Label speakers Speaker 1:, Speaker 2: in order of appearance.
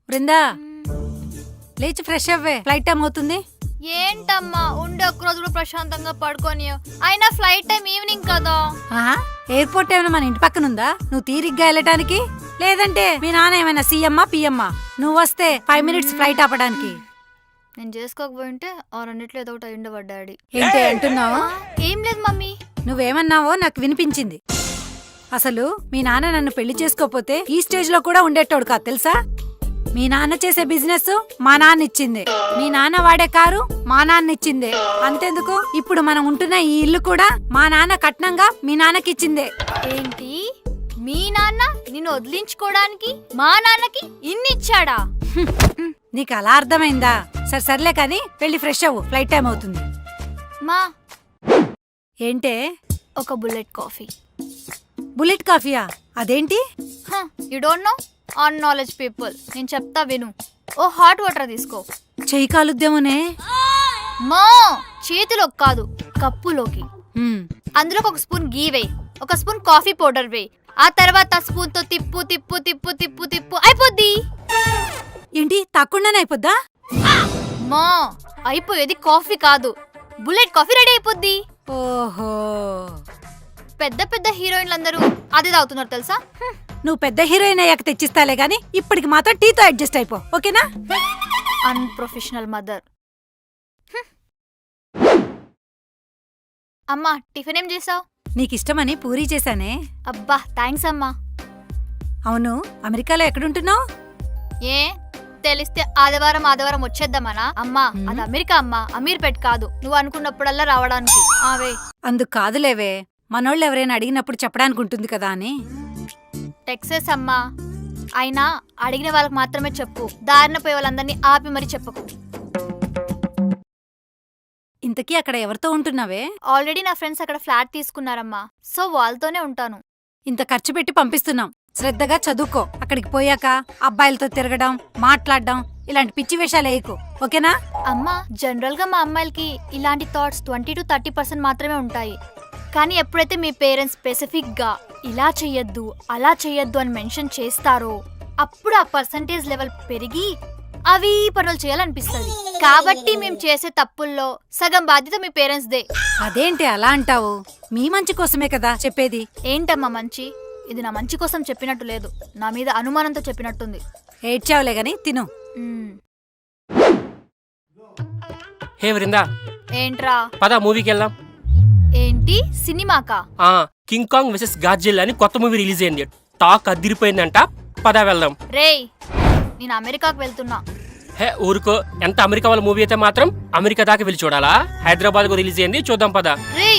Speaker 1: బృందా లేచి ఫ్రెష్ అవ్వే, flight time అవుతుంది.
Speaker 2: ఏంటమ్మా ఉండే ఒక్కరోజు కూడా ప్రశాంతంగా పడుకోని, అయినా ఫ్లైట్ టైం ఈవినింగ్ కదా.
Speaker 1: ఎయిర్పోర్ట్ ఏమైనా మన ఇంటి పక్కన ఉందా నువ్వు తీరిగ్గా వెళ్ళటానికి? లేదంటే మీ నాన్న ఏమైనా సీఎమ్మా పిఎమ్మా నువ్వు వస్తే 5 minutes ఫ్లైట్ ఆపడానికి?
Speaker 2: నేను చేసుకోకపోయింటే ఆ రెండిట్లో ఏదో ఒకటి అయ్యుండేవాడు డాడీ.
Speaker 1: ఏంటి అంటున్నావు?
Speaker 2: ఏం లేదు మమ్మీ.
Speaker 1: నువ్వేమన్నావో నాకు వినిపించింది. అసలు మీ నాన్న నన్ను పెళ్లి చేసుకోపోతే ఈ స్టేజ్ లో కూడా ఉండేటోడు కాదు తెలుసా. మీ నాన్న చేసే బిజినెస్ మా నాన్న ఇచ్చిందే, మీ నాన్న వాడే కారు మా నాన్న ఇచ్చిందే. అంతెందుకు ఇప్పుడు మనం ఉంటున్న ఈ ఇల్లు కూడా మా నాన్న కట్నంగా మీ నాన్నకి ఇచ్చిందే.
Speaker 2: ఏంటి మీ నాన్న నిన్ను వదిలించుకోవడానికి మా నాన్నకి ఇన్ని ఇచ్చాడా?
Speaker 1: నీకు అలా అర్థమైందా? సర్లే కానీ వెళ్ళి ఫ్రెష్ అవ్వు, ఫ్లైట్ టైం అవుతుంది.
Speaker 2: మా
Speaker 1: ఏంటే?
Speaker 2: ఒక బుల్లెట్ కాఫీ.
Speaker 1: బుల్లెట్ కాఫీయా? అదేంటి?
Speaker 2: You don't know on knowledge people. నేను చెప్తా విను. ఓ హాట్ వాటర్ తీసుకో.
Speaker 1: చెయ్యి కాలుద్దేమోనే.
Speaker 2: మా చేతిలోకి కాదు, కప్పులోకి. అందులోకి ఒక స్పూన్ గీ వేయి, ఒక స్పూన్ కాఫీ పౌడర్ వేయి. ఆ తర్వాత స్పూన్ తో తిప్పు తిప్పు తిప్పు తిప్పు తిప్పు అయిపోద్ది.
Speaker 1: ఏంటి తక్కువనే అయిపోద్దా?
Speaker 2: మా అయిపోయేది కాఫీ కాదు, బుల్లెట్ కాఫీ రెడీ అయిపోద్ది.
Speaker 1: ఓహో,
Speaker 2: పెద్ద పెద్ద హీరోయిన్లు అందరూ అదే తాగుతున్నారు తెలుసా.
Speaker 1: నువ్వు పెద్ద హీరోయిన్ అయ్యాక తెచ్చిస్తాలే గాని ఇప్పటికి మాత్రం టీతో అడ్జస్ట్ అయిపో, ఓకేనా?
Speaker 2: Unprofessional mother. అమ్మా టిఫిన్ ఏం చేసావు?
Speaker 1: నీకిష్టమని పూరీ చేశానే.
Speaker 2: అబ్బా థ్యాంక్స్ అమ్మా.
Speaker 1: అవును, అమెరికాలో ఎక్కడుంటున్నావు?
Speaker 2: ఏ తెలిస్తే ఆదివారం వచ్చేద్దామనా? అమ్మా అది అమెరికా అమ్మా, అమీర్పేట్ కాదు. నువ్వు అనుకున్నప్పుడల్లా రావడానికి. ఆవే
Speaker 1: అందుకు కాదులేవే, మనోళ్ళు ఎవరైనా అడిగినప్పుడు చెప్పడానికి ఉంటుంది కదా అని.
Speaker 2: టెక్సస్ అమ్మా, అయినా అడిగిన వాళ్ళకి మాత్రమే చెప్పు, దారిన పోయే వాళ్ళందరినీ ఆపి మరీ చెప్పకు.
Speaker 1: ఇంతకీ అక్కడ ఎవరితో ఉంటున్నావే?
Speaker 2: ఆల్రెడీ నా ఫ్రెండ్స్ అక్కడ ఫ్లాట్ తీసుకున్నారమ్మా, సో వాళ్ళతోనే ఉంటాను.
Speaker 1: ఇంత ఖర్చు పెట్టి పంపిస్తున్నాం, శ్రద్ధగా చదువుకో. అక్కడికి పోయాక అబ్బాయిలతో తిరగడం, మాట్లాడడం ఇలాంటి పిచ్చి వేషాలు వేయకు, ఓకేనా?
Speaker 2: అమ్మా జనరల్ గా మా అమ్మాయిలకి ఇలాంటి థాట్స్ 20 to 30% మాత్రమే ఉంటాయి. కానీ ఎప్పుడైతే మీ పేరెంట్స్ స్పెసిఫిక్ గా ఇలా చెయ్యొద్దు అలా చెయ్యొద్దు అని మెన్షన్ చేస్తారో అప్పుడు ఆ పర్సంటేజ్ లెవెల్ పెరిగి అవి పనులు చేయాలనిపిస్తుంది. కాబట్టి మేము చేసే తప్పుల్లో సగం బాధ్యత మీ పేరెంట్స్ దే.
Speaker 1: అదేంటి అలా అంటావు? మీ మంచి కోసమే కదా చెప్పేది.
Speaker 2: ఏంటమ్మా మంచి? ఇది నా మంచి కోసం చెప్పినట్టు లేదు, నా మీద అనుమానంతో చెప్పినట్టుంది.
Speaker 1: ఏడ్చావులే గాని తిను.
Speaker 3: హే వృందా,
Speaker 2: ఏంట్రా?
Speaker 3: పద మూవీకి వెళ్దాం.
Speaker 2: ఏంటి సినిమాకా?
Speaker 3: కింగ్ కాంగ్ వెసెస్ గాడ్జిల్లా అని కొత్త మూవీ రిలీజ్ అయింది, టాక్ అదిరిపోయిందంట. పద వెళ్దాం.
Speaker 2: రేయ్ నేను అమెరికాకు వెళ్తున్నా.
Speaker 3: హే ఊరుకో, ఎంత అమెరికా వాళ్ళ మూవీ అయితే మాత్రం అమెరికా దాకా వెళ్ళి చూడాలా? హైదరాబాద్ కు రిలీజ్ అయింది, చూద్దాం పద.
Speaker 2: రేయ్